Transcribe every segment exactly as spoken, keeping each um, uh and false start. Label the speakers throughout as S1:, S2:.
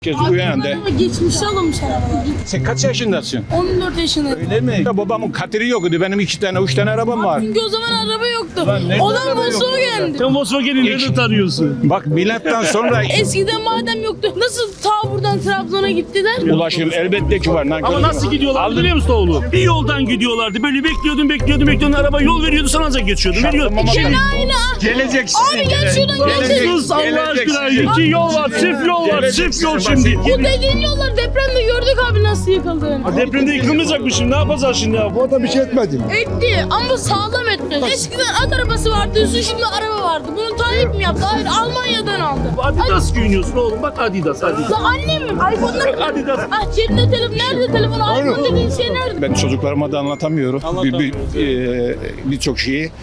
S1: Kez uyandı.
S2: Geçmişte alınmış arabalar.
S1: Sen kaç yaşındasın?
S2: on dört yaşındayım.
S1: Öyle mi? Ya babamın katiri yoktu. Benim iki tane, üç tane arabam var.
S2: Çünkü o zaman araba yoktu.
S1: Lan nerede
S2: O da
S1: araba yoktu?
S2: Volkswagen'di.
S3: Sen Volkswagen'i nerede tanıyorsun?
S1: Bak milattan sonra
S2: Eskiden madem yoktu, nasıl ta buradan Trabzon'a gittiler?
S1: ulaşım elbette ki var. Nankör
S3: Ama nasıl
S1: yok.
S3: gidiyorlar
S1: Aldın.
S3: biliyor musun oğlum? Bir yoldan gidiyorlardı. Böyle bekliyordun, bekliyordun, bekliyordun. Araba yol veriyordu, sana ancak geçiyordun. Veriyordun.
S1: Şartlama
S2: Şimdi
S1: bak.
S2: aynı.
S1: Geleceksin.
S2: Abi gel şuradan
S1: Gelecek-
S2: gel.
S3: Sus Allah
S1: geleceksin.
S3: aşkına. İki yol var, çift yol var,
S1: Geleceksin.
S3: çift yol
S1: Bak
S3: şimdi.
S1: sen-
S2: Bu dediğin yollar depremde gördük abi nasıl yıkıldığını.
S3: Ha, depremde yıkılmayacak mı şimdi? Ne yapacağız şimdi ya?
S4: O da bir şey etmedim.
S2: Etti ama sağlam etmedi. Eskiden at arabası vardı, diyorsun şimdi araba vardı. Bunu Tayyip mi yaptı? Hayır, Almanya'dan aldı.
S3: Adidas giyiniyorsun oğlum. Bak Adidas, Adidas.
S2: Lan annem mi? iPhone'da
S3: Adidas.
S2: Ah cebinde telefon, nerede telefon? iPhone dediğin şey nerede?
S1: Ben çocuklarıma da anlatamıyorum. Bir, bir, e, birçok şeyi.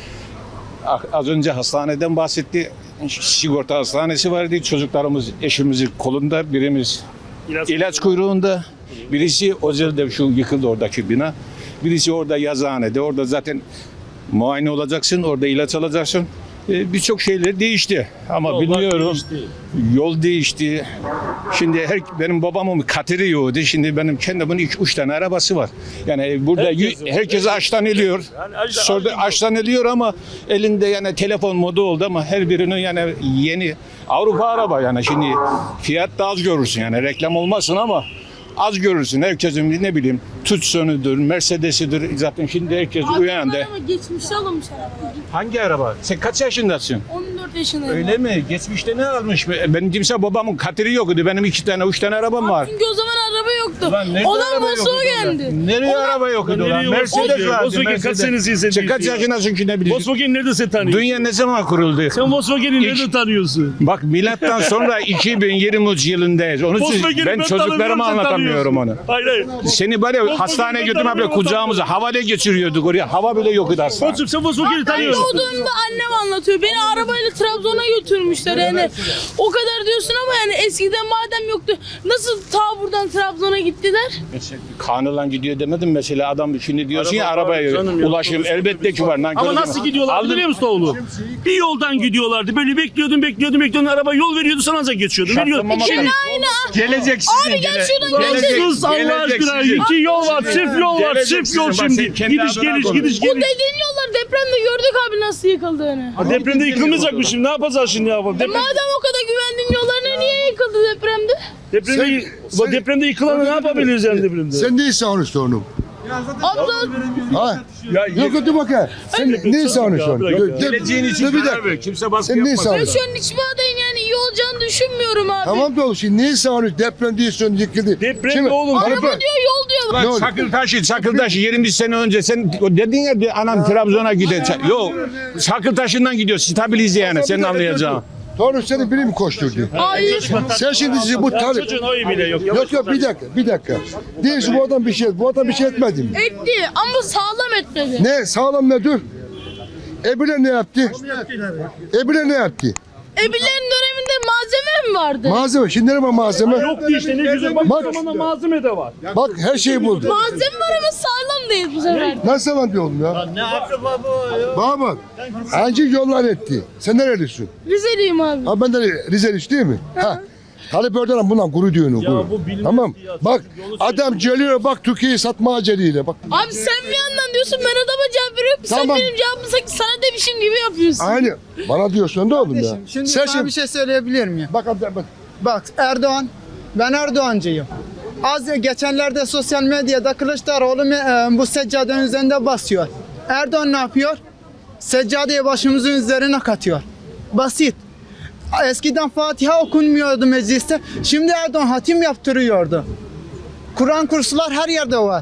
S1: Ah, Az önce hastaneden bahsetti. Sigorta hastanesi vardı. Çocuklarımız eşimizin kolunda, birimiz
S3: İlaç-
S1: ilaç kuyruğunda. Birisi Özel'de şu yıkıldı oradaki bina. Birisi orada yazıhanede. Orada zaten muayene olacaksın. Orada ilaç alacaksın. Ee, Birçok şeyler değişti. Ama
S3: Yollar
S1: bilmiyorum.
S3: değişti.
S1: Yol değişti. Şimdi her, benim babamın katiri yoktu. Şimdi benim kendimin iki, üç tane arabası var. Yani burada
S3: Herkesin
S1: herkes,
S3: var.
S1: herkes açtan ediyor.
S3: Yani açtan-
S1: Sonra açtan ediyor ama elinde yani telefon modu oldu ama her birinin yani yeni Avrupa araba yani şimdi fiyat da az görürsün yani reklam olmasın ama az görürsün. Herkesin ne bileyim Tucson'udur, Mercedes'idir. Zaten şimdi herkes uyandı.
S2: Ama geçmişte alınmış arabalar.
S1: Hangi araba? Sen kaç yaşındasın?
S2: on dört yaşındayım.
S1: Öyle mi? Geçmişte ne almış? Benim kimse babamın katiri yoktu. Benim iki tane, üç tane arabam var.
S2: Çünkü o zaman araba yoktu.
S1: Lan nerede
S2: O da
S1: araba yoktu
S2: Volkswagen'di.
S1: Nereye araba yoktu
S3: Lan
S1: lan?
S3: nereye
S1: Mercedes
S3: Volkswagen?
S1: vardı.
S3: Volkswagen kaç
S1: Mercedes.
S3: senesi sen
S1: Sen kaç
S3: diyorsun?
S1: yaşındasın ki ne biliyorsun?
S3: Volkswagen nerede sen tanıyorsun?
S1: Dünya ne zaman kuruldu?
S3: Sen Volkswagen'i
S1: İlk-
S3: nerede tanıyorsun?
S1: Bak milattan sonra iki bin yirmi üç yılındayız. Onun için
S3: Volkswagen'i
S1: ben
S3: tanımıyorum,
S1: çocuklarıma
S3: sen
S1: anlatamıyorum onu.
S3: tanıyorsun. Hayır hayır.
S1: Seni böyle
S3: Volkswagen'i
S1: hastaneye
S3: ben
S1: götürme böyle
S3: tanımıyorum,
S1: kucağımıza havale geçiriyorduk oraya. Hava bile yoktu hastane.
S3: Koçum sen Volkswagen'i
S2: Ben
S3: tanıyorsun.
S2: doğduğumda annem anlatıyor. Beni arabayla Trabzon'a götürmüşler yani. O kadar diyorsun ama yani eskiden madem yoktu. Nasıl ta buradan Trabzon'a gittiler?
S1: Kanıla gidiyor demedim mesela adam şimdi diyorsun ya
S3: Araba var
S1: arabaya
S3: canım ya.
S1: ulaşım elbette ki var. Nankör
S3: Ama
S1: deme.
S3: nasıl gidiyorlar
S1: Aldın-
S3: biliyor musun oğlum? Bir yoldan gidiyorlardı. Böyle bekliyordun, bekliyordun, bekliyordun. Araba yol veriyordu, sana ancak geçiyordun. Veriyordun.
S1: Şartlama
S3: Şimdi-
S1: bak.
S2: Aynı.
S1: Geleceksin.
S2: Abi gel şuradan gel.
S3: Sus Allah aşkına. İki yol var, çift yol var, çift yol
S1: Bak sen
S3: şimdi.
S1: kendi
S3: Gidiş
S1: adına
S3: geliş,
S1: konuş.
S3: gidiş
S2: Bu
S3: geliş.
S2: dediğin yollar depremde gördük abi nasıl yıkıldığını.
S3: Ha, depremde yıkılmayacak mı şimdi? Ne yapacağız şimdi ya? Deprem,
S2: Madem o kadar güvendiğin yollarına niye yıkıldı depremde?
S3: depremde,
S4: Sen-
S3: bu depremde yıkılanı ne yapabiliriz yani depremde?
S4: Sen ne savunuyorsun onu?
S2: Abla
S4: Ha?
S1: Ya,
S4: Yok hadi bakayım. Sen ne savunuyorsun?
S3: bırak ya.
S4: Dur, dur,
S1: Geleceğin için
S4: dur bir
S1: karar
S4: dakika.
S1: ver. Kimse baskı
S4: Sen ne
S1: yapmaz.
S2: ben
S4: savunuyorsun?
S2: şu an hiçbir adayın yani iyi olacağını düşünmüyorum abi.
S4: Tamam da oğlum şimdi ne savunuyorsun? Deprem diyorsun yıkıldı.
S3: Deprem
S4: Şimdi-
S3: mi oğlum?
S2: Araba
S4: Deprem-
S2: diyor yol diyor.
S1: Bak
S4: Ne oldu?
S1: Çakıltaşı, Çakıltaşı yirmi sene önce sen o dedin ya bir anam Trabzon'a gidecek. Yok. Çakıltaşı'ndan gidiyor. Stabilize yani senin anlayacağın.
S4: Doğru seni biri mi koşturdu?
S2: Hayır.
S4: Sen şimdi sizi bu
S3: Ya
S4: tarih...
S3: çocuğun oyu bile yok.
S4: Yok yok bir dakika bir dakika. Diyorsun bu adam bir şey bu adam bir şey etmedi mi?
S2: Etti ama sağlam etmedi.
S4: Ne sağlam ne dur? Ebile ne yaptı? Ebile ne yaptı?
S2: Ebilerin döneminde malzeme mi vardı?
S4: Malzeme şimdi ne var malzeme?
S3: Yoktu işte ne güzel. Bak,
S4: Bak.
S3: bak. Zamanda malzeme de var.
S4: Bak her şeyi buldu.
S2: Malzeme var ama sağlam değil bu sefer.
S4: Nasıl lan diyorum ya? Ne yaptı baba ya? Baba bak. Anca yollar etti. Sen nerelisin?
S2: Rizeliyim abi.
S4: Ha ben de Rizeli değil mi? Ha. Talip Erdoğan bundan gurur diyorsun.
S3: Ya
S4: gurur.
S3: bu bilmez
S4: Tamam.
S3: ya.
S4: Bak
S3: Yolu
S4: adam geliyor bak Türkiye'yi satma aceliyle. Bak.
S2: Abi sen bir yandan diyorsun ben adama cevap veriyorum. Sen
S4: Tamam.
S2: benim cevabımı sanki sana demişim gibi yapıyorsun.
S4: Aynı. Bana diyorsun da oğlum ya.
S5: Kardeşim, Şimdi
S4: Sen
S5: sana
S4: şimdi
S5: bir şey söyleyebilir miyim?
S4: bak abi bak.
S5: Bak Erdoğan, ben Erdoğancıyım. Az geçenlerde sosyal medyada Kılıçdaroğlu e, bu seccadenin üzerinde basıyor. Erdoğan ne yapıyor? Seccadeyi başımızın üzerine katıyor. Basit. Eskiden Fatiha okunmuyordu mecliste. Şimdi Erdoğan hatim yaptırıyordu. Kur'an kurslar her yerde var.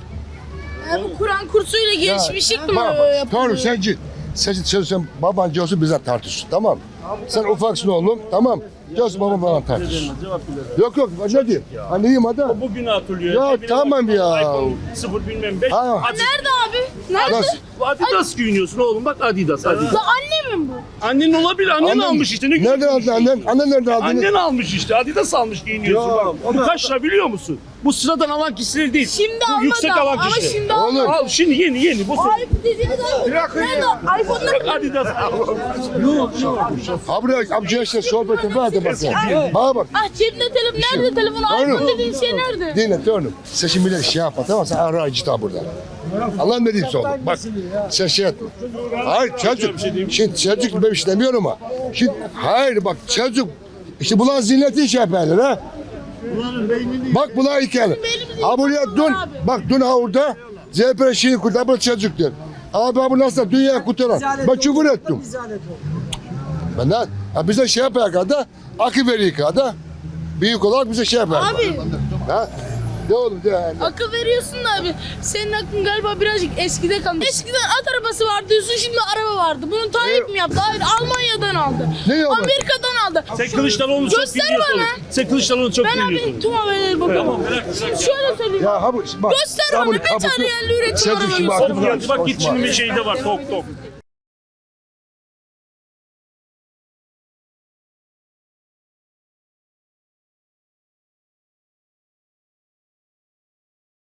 S2: Ya bu Kur'an kursuyla gelişmişlik mi
S4: Bak,
S2: böyle
S4: bak.
S2: yapılıyor?
S4: Doğru sen git. Sen, sen, sen babancı olsun bize tartış. Tamam. Sen ufaksın oğlum. Tamam. Gelsin babam bana tartış.
S3: Cevap bile.
S4: Yok yok. Ne diyeyim? Ha neyim adam?
S3: Bugünü hatırlıyor.
S4: Ya
S3: Ne bileyim,
S4: tamam ya.
S3: iPhone sıfır bilmem beş.
S4: Ha.
S3: Hadi.
S2: Nerede abi? Nerede?
S4: Nasıl?
S3: Adidas giyiniyorsun oğlum, bak Adidas, Adidas.
S2: La anne mi bu?
S3: Annen olabilir, annen
S4: Annen-
S3: almış işte. Ne
S4: Nereden aldın annen? Annen nereden aldın?
S3: Annen almış işte, Adidas almış giyiniyorsun
S4: Ya,
S3: bak. Bu kaç lira biliyor musun? Bu sıradan alan kişiler değil.
S2: Şimdi
S3: Bu
S2: almadı
S3: yüksek alan
S2: ama
S3: kişiler.
S2: şimdi
S4: Oğlum.
S2: almadı.
S3: Al şimdi yeni yeni. Bu
S2: Ay dediğiniz abi. Nerede? iPhone'lar
S3: Adidas.
S4: Abi amca işte sohbeti vardı bak. Bana bak.
S2: Ah cebinde telefon. Nerede telefon?
S4: Oğlum.
S2: iPhone dediğin şey nerede?
S4: Dinle oğlum. Sen şimdi millet şey yapma tamam mı? Sen ara acı daha burada. Allah ne diyeyim oğlum. Bak sen şey etme. Hayır çocuk. Şimdi çocuk ben işlemiyorum ama. Şimdi hayır bak çocuk. İşte bulan ziyneti şey yaparlar ha. Bak buna hikaye. Ha buraya dön. Bak dön ha orada. Z P şeyi kurtar bu çocuktur. Abi bu nasıl dünya kurtaran. Ben küfür ettim. Benden. Ha bize şey yapar kadar. Akı veriyor kadar. Büyük olarak bize şey yapar.
S2: Abi
S4: Ha? Ne oğlum de yani.
S2: akıl veriyorsun da abi. Senin aklın galiba birazcık eskide kalmış. Eskiden at arabası vardı diyorsun, şimdi araba vardı. Bunu Tayyip mi yaptı? Hayır, Almanya'dan aldı.
S4: Ne yapar?
S2: Amerika'dan aldı.
S3: Sen Kılıçdaroğlu'nu çok
S2: Göster
S3: dinliyorsun.
S2: bana.
S3: Sen Kılıçdaroğlu'nu çok
S2: Ben
S3: dinliyorsun.
S2: abi tüm haberleri bakıyorum. Şöyle söyleyeyim.
S4: Ya ha bu bak.
S2: Göster
S4: ha
S2: bana
S4: bunu
S2: bir tane
S4: kapatıp-
S2: yerli üretim
S4: Çocuk şimdi
S2: arabası.
S4: bak.
S3: Bak git şimdi bir şeyde var tok tok.